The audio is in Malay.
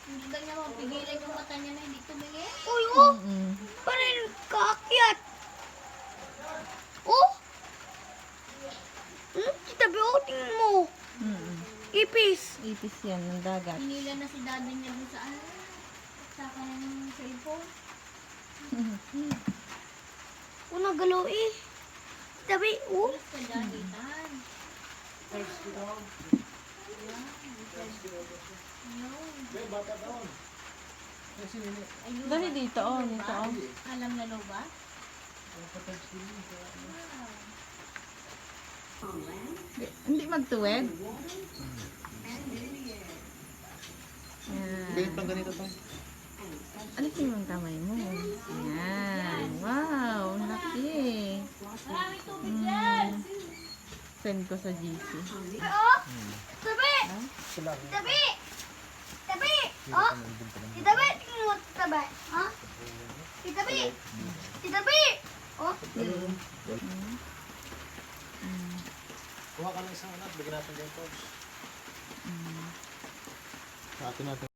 Hindi ba niya mapigilan yung mata niya na hindi tumingin? Uy, oh! Parang kaakyat. Oh! Tabi, oh, tingnan mo. Ipis. Ipis yan ng dagat. Hinila na si daddy niya dun sa ano? Sa kanyang cellphone. Oh, nagalaw eh. Tabi, oh. Alas ka daddy, tan. Dali dito, oh. Dito, oh. Alam na lo ba? Hindi magtuwid. Yan. Ganyan pang ganito to. Alisin mo ang kamay mo. Yan. Wow, laki. Send ko sa GC. Oh! Tabi! Tabi! Tabi! Oh! Itabi! Tingnan mo, tabi. Ha? Itabi! Itabi! Oh! Kuha ka ng isang anak, bigyan natin dyan, coach. Sa atin natin.